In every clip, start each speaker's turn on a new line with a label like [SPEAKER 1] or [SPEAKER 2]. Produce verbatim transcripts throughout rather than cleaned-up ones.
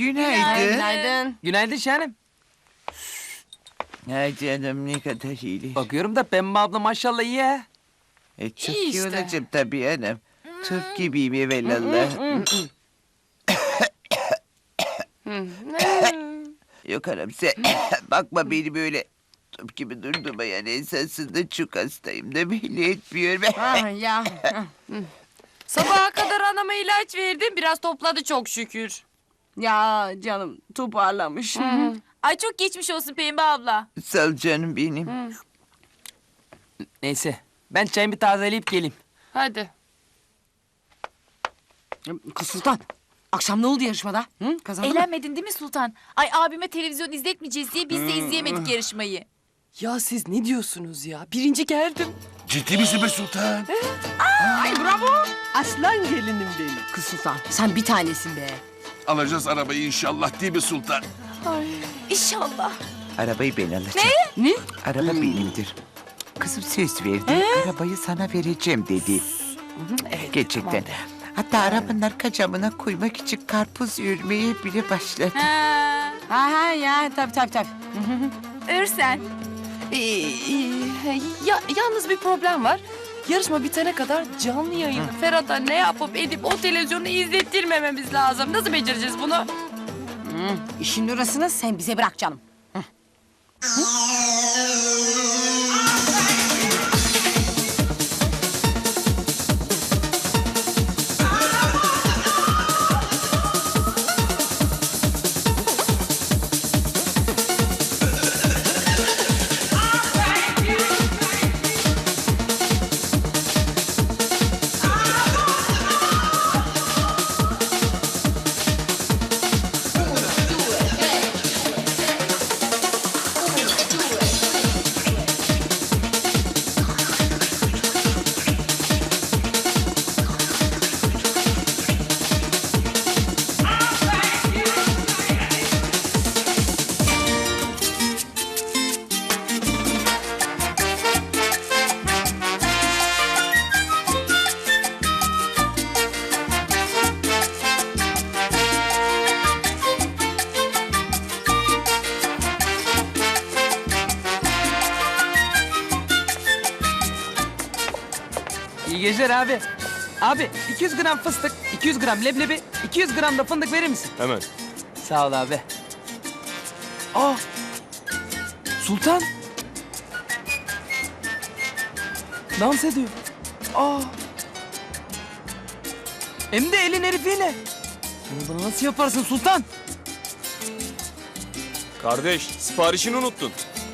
[SPEAKER 1] Günaydın.
[SPEAKER 2] Günaydın.
[SPEAKER 3] Günaydın Şahanem.
[SPEAKER 1] Ay canım ne kadar iyi.
[SPEAKER 3] Bakıyorum da Pembe abla maşallah iyi ha.
[SPEAKER 1] E, çok
[SPEAKER 2] İyi
[SPEAKER 1] iyi
[SPEAKER 2] işte.
[SPEAKER 1] olacağım tabii hanım. Türk gibiyim evelallah. Yok hanım sen bakma beni böyle top gibi durduğuma yani esasında çok hastayım da belli etmiyorum.
[SPEAKER 2] Ah ya.
[SPEAKER 4] Sabaha kadar anama ilaç verdim. Biraz topladı çok şükür.
[SPEAKER 2] Ya canım toparlamış.
[SPEAKER 4] Ay çok geçmiş olsun Pembe abla.
[SPEAKER 1] Sağ ol canım benim.
[SPEAKER 3] Neyse ben çayımı bir tazeleyip geleyim.
[SPEAKER 4] Hadi.
[SPEAKER 2] Kız Sultan. Akşam ne oldu yarışmada? Hı? Kazandın mı?
[SPEAKER 5] Eğlenmedin değil mi Sultan? Ay abime televizyon izletmeyeceğiz diye biz de izleyemedik yarışmayı.
[SPEAKER 4] Ya siz ne diyorsunuz ya? Birinci geldim.
[SPEAKER 6] Ciddi misin be sultan?
[SPEAKER 2] Ay bravo. Aslan gelinim benim. Kız Sultan sen bir tanesin be.
[SPEAKER 6] Alacağız arabayı inşallah değil mi sultan?
[SPEAKER 5] İnşallah.
[SPEAKER 1] Arabayı ben alacağım.
[SPEAKER 2] Ne?
[SPEAKER 1] Araba benimdir. Kızım söz verdi. Arabayı sana vereceğim dedi. Gerçekten. Hatta arabanın arka camına koymak için karpuz örmeye bile başladı.
[SPEAKER 4] Ha.
[SPEAKER 2] Ha ha ya tabii tabii tabii.
[SPEAKER 5] Örsen.
[SPEAKER 4] Ee, e, ya, yalnız bir problem var. Yarışma bitene kadar canlı yayını Ferhat'a ne yapıp edip o televizyonu izlettirmememiz lazım. Nasıl becereceğiz bunu?
[SPEAKER 2] Hı, işin orasını sen bize bırak canım.
[SPEAKER 3] İyi geceler abi. Abi iki yüz gram fıstık, iki yüz gram leblebi, iki yüz gram da fındık verir misin?
[SPEAKER 6] Hemen.
[SPEAKER 3] Sağ ol abi. Aa! Sultan! Dans ediyor. Aa! Hem de elin herifiyle. Bunu bana nasıl yaparsın Sultan?
[SPEAKER 6] Kardeş siparişini unuttun.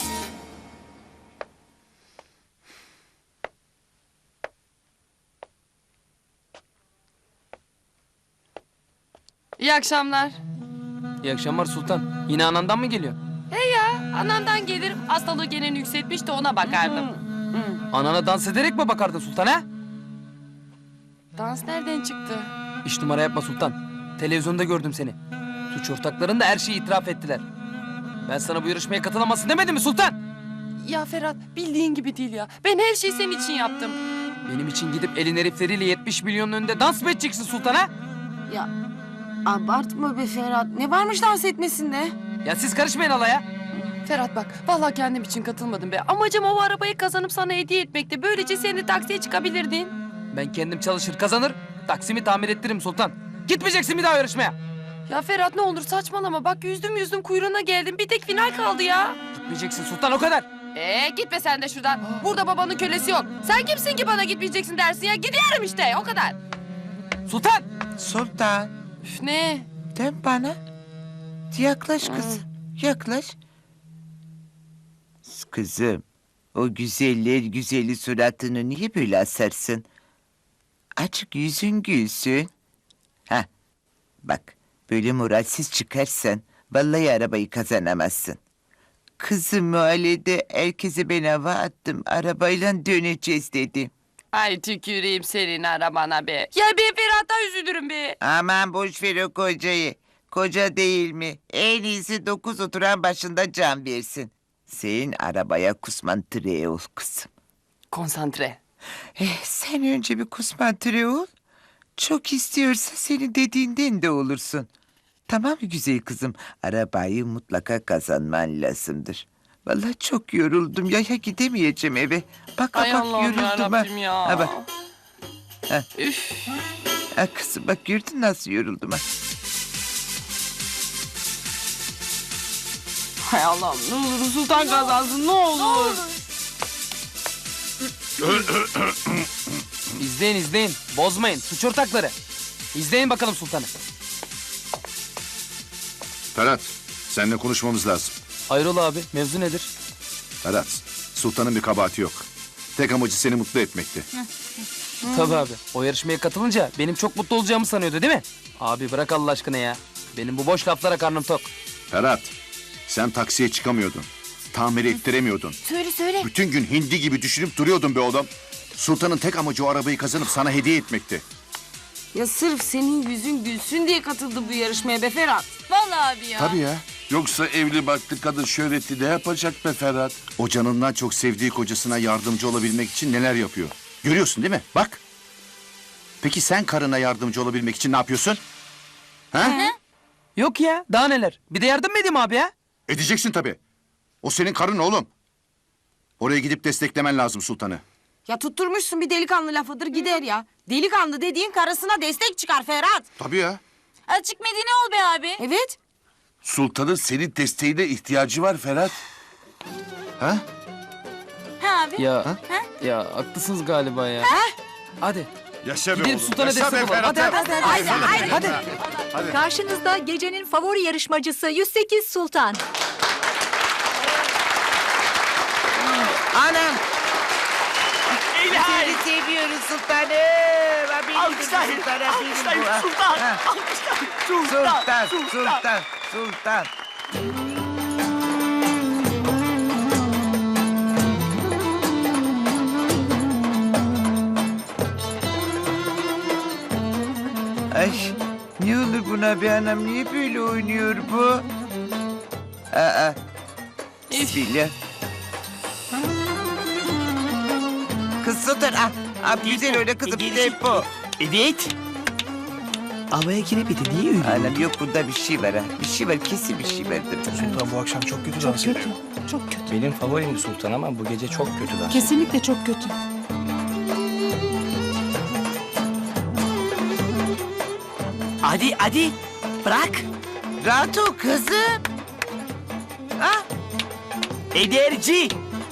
[SPEAKER 4] İyi akşamlar.
[SPEAKER 3] İyi akşamlar Sultan. Yine anandan mı geliyor?
[SPEAKER 4] He ya, anamdan gelir. Hastalığı geneni yükseltmiş de ona bakardım.
[SPEAKER 3] Anana dans ederek mi bakardın Sultan ha?
[SPEAKER 4] Dans nereden çıktı?
[SPEAKER 3] İş numara yapma Sultan. Televizyonda gördüm seni. Suç ortakların da her şeyi itiraf ettiler. Ben sana bu yarışmaya katılamazsın demedim mi Sultan?
[SPEAKER 4] Ya Ferhat, bildiğin gibi değil ya. Ben her şeyi senin için yaptım.
[SPEAKER 3] Benim için gidip elin herifleriyle yetmiş milyonun önünde dans mı edeceksin Sultan ha?
[SPEAKER 2] Ya abartma be Ferhat. Ne varmış dans etmesinde?
[SPEAKER 3] Ya siz karışmayın alaya.
[SPEAKER 4] Ferhat bak, vallahi kendim için katılmadım be. Amacım o arabayı kazanıp sana hediye etmekti. Böylece sen de taksiye çıkabilirdin.
[SPEAKER 3] Ben kendim çalışır kazanır, taksimi tamir ettiririm Sultan. Gitmeyeceksin bir daha yarışmaya.
[SPEAKER 4] Ya Ferhat ne olur saçmalama. Bak yüzdüm yüzdüm kuyruğuna geldim. Bir tek final kaldı ya.
[SPEAKER 3] Gitmeyeceksin Sultan o kadar.
[SPEAKER 4] Ee gitme sen de şuradan. Burada babanın kölesi yok. Sen kimsin ki bana gitmeyeceksin dersin ya. Gidiyorum işte o kadar.
[SPEAKER 3] Sultan!
[SPEAKER 1] Sultan
[SPEAKER 4] Üf ne?
[SPEAKER 1] dön bana. Yaklaş kızım. Yaklaş. Kızım o güzeller güzeli suratını niye böyle asarsın? Açık yüzün gülsün. Ha, bak böyle moralsiz çıkarsan vallahi arabayı kazanamazsın. Kızım mahallede herkese ben hava attım. Arabayla döneceğiz dedim.
[SPEAKER 4] Ay tüküreyim senin arabana be. Ya ben Ferhat'a üzülürüm be.
[SPEAKER 1] Aman boş ver o kocayı. Koca değil mi? En iyisi dokuz oturan başında can versin. Senin arabaya kusman tire ol kızım.
[SPEAKER 4] Konsantre.
[SPEAKER 1] Eh, sen önce bir kusman tire ol. Çok istiyorsa senin dediğinden de olursun. Tamam mı güzel kızım? Arabayı mutlaka kazanman lazımdır. Vallahi çok yoruldum ya, ya gidemeyeceğim eve. Bak
[SPEAKER 4] Ay
[SPEAKER 1] bak
[SPEAKER 4] Allah'ım
[SPEAKER 1] yoruldum ha.
[SPEAKER 4] yarabbim ya.
[SPEAKER 1] Ha bak. Ha.
[SPEAKER 4] Üf.
[SPEAKER 1] Ha kızım bak gördün nasıl yoruldum ha.
[SPEAKER 2] Hay Allah'ım ne olur Sultan kazansın ne olur.
[SPEAKER 3] İzleyin izleyin. Bozmayın. Suç ortakları. İzleyin bakalım sultanı.
[SPEAKER 7] Ferhat, seninle konuşmamız lazım.
[SPEAKER 3] Hayrola abi, mevzu nedir?
[SPEAKER 7] Ferhat, sultanın bir kabahati yok. Tek amacı seni mutlu etmekti.
[SPEAKER 3] Tabii abi. O yarışmaya katılınca benim çok mutlu olacağımı sanıyordu değil mi? Abi bırak Allah aşkına ya. Benim bu boş laflara karnım tok.
[SPEAKER 7] Ferhat, sen taksiye çıkamıyordun. Tamir ettiremiyordun.
[SPEAKER 5] Söyle söyle.
[SPEAKER 7] Bütün gün hindi gibi düşünüp duruyordun be oğlum. Sultanın tek amacı o arabayı kazanıp sana hediye etmekti.
[SPEAKER 2] Ya sırf senin yüzün gülsün diye katıldı bu yarışmaya be Ferhat.
[SPEAKER 5] Vallahi abi ya.
[SPEAKER 7] Tabii ya.
[SPEAKER 6] Yoksa evli barklı kadın şöhreti ne yapacak be Ferhat?
[SPEAKER 7] O canından çok sevdiği kocasına yardımcı olabilmek için neler yapıyor. Görüyorsun değil mi? Bak. Peki sen karına yardımcı olabilmek için ne yapıyorsun? Ha?
[SPEAKER 3] Yok ya, daha neler? Bir de yardım mı edeyim abi ya?
[SPEAKER 7] Edeceksin tabii. O senin karın oğlum. Oraya gidip desteklemen lazım sultanı.
[SPEAKER 2] Ya tutturmuşsun bir delikanlı lafıdır gider ya. Delikanlı dediğin karısına destek çıkar Ferhat.
[SPEAKER 7] Tabii ya.
[SPEAKER 5] Açık medeni ol be abi.
[SPEAKER 2] Evet.
[SPEAKER 6] Sultanın senin desteğine ihtiyacı var Ferhat.
[SPEAKER 7] Ha?
[SPEAKER 5] Ha abi.
[SPEAKER 3] Ya, ya haklısınız galiba ya. Hadi.
[SPEAKER 7] Yaşa be
[SPEAKER 3] Gidelim
[SPEAKER 7] oğlum.
[SPEAKER 3] sultana
[SPEAKER 7] Yaşa
[SPEAKER 3] destek
[SPEAKER 7] be
[SPEAKER 3] olalım.
[SPEAKER 7] Ferhat.
[SPEAKER 3] Hadi hadi hadi. Hadi. Hadi.
[SPEAKER 8] Karşınızda gecenin favori yarışmacısı yüz sekiz Sultan.
[SPEAKER 1] Anam. Seni seviyoruz sultanım. Alkışlayın. Alkışlayın sultan. Sultan. Sultan. Sultan. Sultan. Ay ne olur buna be anam, niye böyle oynuyor bu? Aa. Bismillah. Kız Sultan ah, ah güzel öyle kızım tempo.
[SPEAKER 9] Evet. Havaya giremedi. Niye öyle?
[SPEAKER 1] Anam yok bunda bir şey var ha. Bir şey var, kesin bir şey vardır.
[SPEAKER 9] Sultan bu akşam çok kötü dans ediyor.
[SPEAKER 10] Çok kötü. Benim favorim Sultan ama bu gece çok kötü dans.
[SPEAKER 4] Kesinlikle çok kötü.
[SPEAKER 9] Hadi hadi. Bırak.
[SPEAKER 1] Rahat ol kızım. Ah,
[SPEAKER 9] Ederci.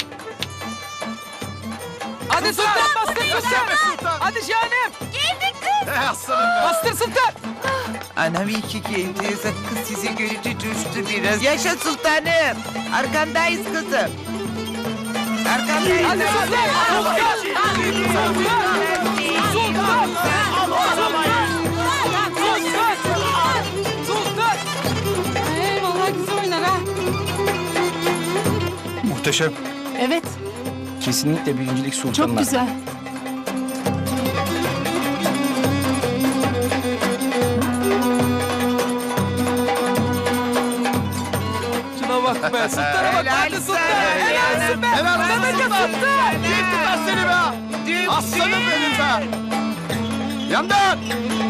[SPEAKER 3] Hadi sultan, bastır sultan. Hadi şahanem.
[SPEAKER 5] Geldik kız.
[SPEAKER 3] Bastır sultan.
[SPEAKER 1] anam iyi ki geldiniz. Kız sizi görünce coştu biraz. Yaşa sultanım. Arkandayız kızım. Arkandayız.
[SPEAKER 3] Hadi sultan.
[SPEAKER 2] Ee, vallahi güzel oynar ha.
[SPEAKER 10] Muhteşem.
[SPEAKER 4] Evet,
[SPEAKER 10] Kesinlikle birincilik Sultan'la.
[SPEAKER 4] çok güzel.
[SPEAKER 3] Şuna bak be, sultana bak.
[SPEAKER 1] Helal
[SPEAKER 3] Hadi sultan.
[SPEAKER 1] sana.
[SPEAKER 3] Helal olsun be.
[SPEAKER 1] Helal olsun.
[SPEAKER 3] Sana sultan.
[SPEAKER 7] Gittim ben seni be. Aslanım benim be. Yandan.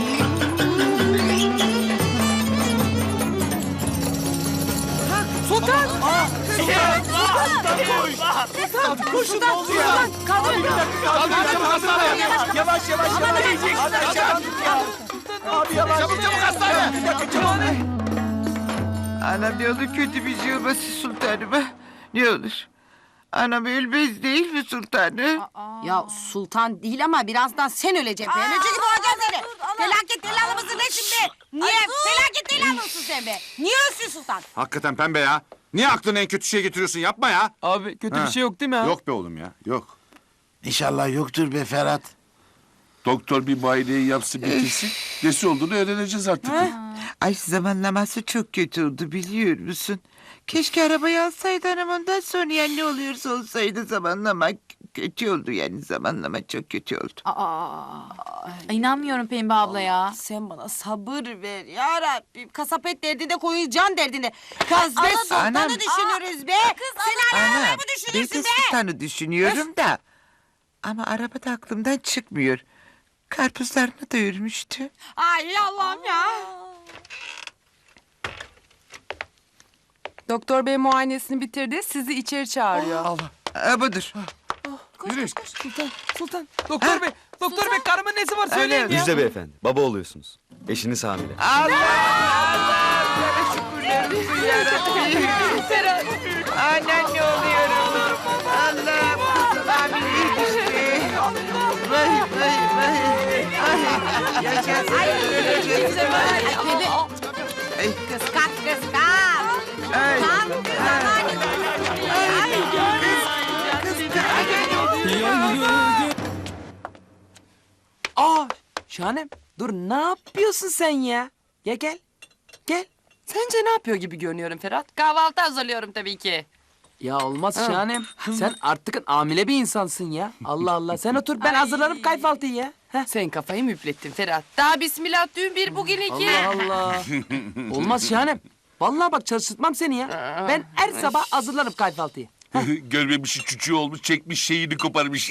[SPEAKER 3] Sultan.
[SPEAKER 9] Kurşun oldu ya.
[SPEAKER 7] Çabuk hastaneye.
[SPEAKER 9] Yavaş yavaş yavaş. Hadi aşağı. Abi yavaş.
[SPEAKER 7] Çabuk çabuk hastaneye.
[SPEAKER 1] Anam ne olur kötü bir şey olmasın sultanıma. Ne olur. Anam ölmez değil mi sultanım?
[SPEAKER 2] Ya sultan değil ama birazdan sen öleceksin. Ben önce gibi olacağım seni. Felaket telallı mısın ne şimdi? Niye? Felaket telallı mısın sen be? Niye ölsün sultan?
[SPEAKER 7] Hakikaten pembe ya. Niye aklına en kötü şey getiriyorsun? Yapma ya.
[SPEAKER 3] Abi kötü
[SPEAKER 7] Ha.
[SPEAKER 3] bir şey yok değil mi ha?
[SPEAKER 7] Yok be oğlum ya. Yok.
[SPEAKER 6] İnşallah yoktur be Ferhat. Doktor bir muayeneyi yapsın bitirsin. Nesi olduğunu öğreneceğiz artık.
[SPEAKER 1] Ay zamanlaması çok kötü oldu biliyor musun? Keşke arabayı alsaydı anam, ondan sonra yani ne oluyorsa olsaydı zamanlama kötü oldu, yani zamanlama çok kötü oldu.
[SPEAKER 5] Ay, İnanmıyorum Pembe abla ya.
[SPEAKER 2] Sen bana sabır ver ya Rabbim. Kasap et derdinde, koyun can derdinde. Kız be sultanı
[SPEAKER 1] Anam.
[SPEAKER 2] düşünürüz be. Sen hala
[SPEAKER 1] Anam
[SPEAKER 2] arabayı mı
[SPEAKER 1] ben
[SPEAKER 2] düşünürsün
[SPEAKER 1] de
[SPEAKER 2] be?
[SPEAKER 1] sultanı düşünüyorum da. Ama arabada aklımdan çıkmıyor. Karpuzlarını da örmüştü.
[SPEAKER 2] Ay Allah'ım ya.
[SPEAKER 4] Doktor bey muayenesini bitirdi. Sizi içeri çağırıyor.
[SPEAKER 3] Allah.
[SPEAKER 1] Ha, budur.
[SPEAKER 6] Yürü.
[SPEAKER 3] Sultan, Sultan. Doktor bey, doktor bey karımın nesi var söyleyin ya.
[SPEAKER 11] Müjde beyefendi. Baba oluyorsunuz. Eşiniz hamile.
[SPEAKER 1] Allah Allah. Sana şükürler olsun yarabbim. Anan ne oluyorum? Allah'ım kızım hamileymiş be. Vay vay vay. Ay yaşasın. Öleceğim. Ay. Ay.
[SPEAKER 2] Kıskan kıskan.
[SPEAKER 1] Ay.
[SPEAKER 3] Aa, Şahanem. Dur ne yapıyorsun sen ya? Gel gel. Gel.
[SPEAKER 4] Sence ne yapıyor gibi görünüyorum Ferhat? Kahvaltı hazırlıyorum tabii ki.
[SPEAKER 3] Ya olmaz Şahanem. Sen artık hamile bir insansın ya. Allah Allah. Sen otur ben hazırlarım kahvaltıyı ya. Heh.
[SPEAKER 4] Sen kafayı mı üflettin Ferhat? Daha bismillah dün bir bugün iki.
[SPEAKER 3] Allah Allah. Olmaz Şahanem. Vallahi bak çalıştırmam seni ya. Ben her sabah hazırlarım kahvaltıyı.
[SPEAKER 6] Görmemiş çocuğu olmuş çekmiş şeyini koparmış.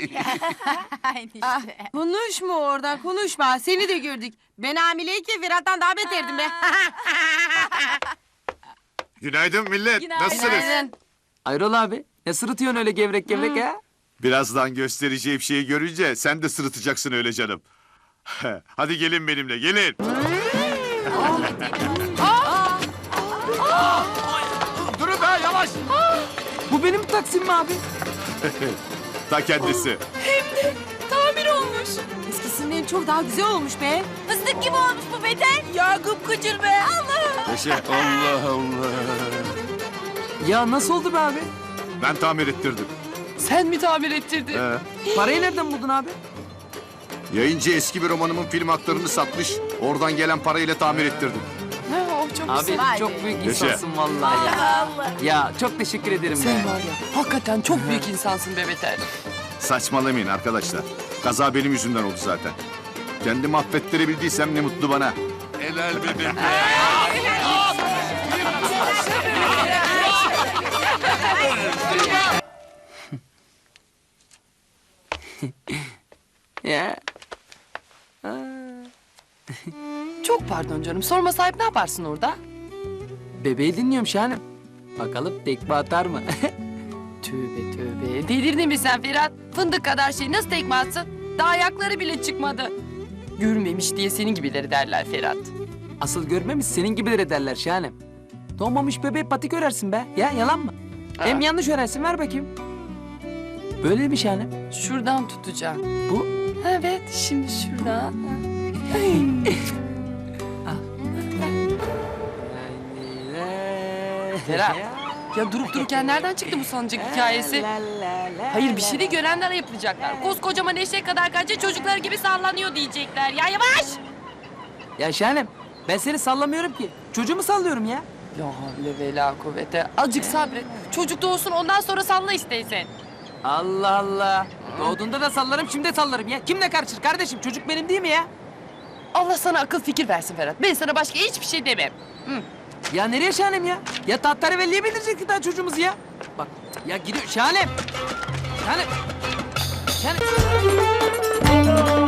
[SPEAKER 2] Konuşma oradan konuşma. Seni de gördük. Ben hamileyken Ferhat'tan daha beterdim be.
[SPEAKER 7] Günaydın millet.
[SPEAKER 2] Günaydın.
[SPEAKER 3] Ayrola abi. Ne sırıtıyorsun öyle gevrek gevrek ha?
[SPEAKER 7] Birazdan göstereceğim şeyi görünce sen de sırıtacaksın öyle canım. Hadi gelin benimle gelin. Durun be yavaş.
[SPEAKER 3] Bu benim taksim mi abi?
[SPEAKER 7] Ta kendisi.
[SPEAKER 5] Tamir olmuş.
[SPEAKER 2] Eskisinden çok daha güzel olmuş be.
[SPEAKER 5] Fıstık gibi olmuş bu beden. Ya gıpkıcır be. Allah.
[SPEAKER 7] Yaşa.
[SPEAKER 6] Allah Allah.
[SPEAKER 3] Ya nasıl oldu be abi?
[SPEAKER 7] Ben tamir ettirdim.
[SPEAKER 4] Sen mi tamir ettirdin?
[SPEAKER 7] He.
[SPEAKER 3] Parayı nereden buldun abi?
[SPEAKER 7] Yayıncı eski bir romanımın film haklarını satmış. Oradan gelen parayla tamir ettirdim.
[SPEAKER 4] Ha, o çok
[SPEAKER 3] Abi
[SPEAKER 4] güzel.
[SPEAKER 3] çok büyük
[SPEAKER 7] Yaşa.
[SPEAKER 3] insansın vallahi ya. Ya çok teşekkür ederim
[SPEAKER 4] Sen
[SPEAKER 3] be.
[SPEAKER 4] var ya hakikaten çok büyük insansın be Beter.
[SPEAKER 7] Saçmalamayın arkadaşlar. Kaza benim yüzümden oldu zaten. Kendimi affettirebildiysem ne mutlu bana.
[SPEAKER 6] Helal benim be.
[SPEAKER 3] Ya.
[SPEAKER 4] Çok pardon canım. Sorma sahip ne yaparsın orada?
[SPEAKER 3] Bebeği dinliyorum Şahanem. Bakalım tekme atar mı?
[SPEAKER 4] Tövbe tövbe. Delirdin mi sen Ferhat? Fındık kadar şey nasıl tekme atsın? Daha ayakları bile çıkmadı. Görmemiş diye senin gibileri derler Ferhat.
[SPEAKER 3] Asıl görmemiş senin gibileri derler Şahanem. Doğmamış bebeği patik örersin be. Ya yalan mı? Hem yanlış örersin ver bakayım. Böyle mi Şahanem?
[SPEAKER 4] Şuradan tutacağım.
[SPEAKER 3] Bu?
[SPEAKER 4] Evet şimdi şuradan. Ferhat. Ya durup dururken nereden çıktı bu sancak hikayesi? Hayır bir şey de görenler yapacaklar. Koskocaman eşek kadar kanca çocuklar gibi sallanıyor diyecekler. Ya yavaş!
[SPEAKER 3] Ya Şahanem ben seni sallamıyorum ki. Çocuğumu sallıyorum ya.
[SPEAKER 4] La havle ve la kuvvete. Azıcık sabret. Çocuk doğsun ondan sonra salla isteysen.
[SPEAKER 3] Allah Allah. Doğduğunda da sallarım şimdi de sallarım ya. Kimle karışır kardeşim? Çocuk benim değil mi ya?
[SPEAKER 4] Allah sana akıl fikir versin Ferhat. Ben sana başka hiçbir şey demem.
[SPEAKER 3] Ya nereye Şahanem ya? Ya Tahterevalli'ye bildirecektik daha çocuğumuzu ya. Bak ya gidiyor Şahanem. Şahanem. Şahanem.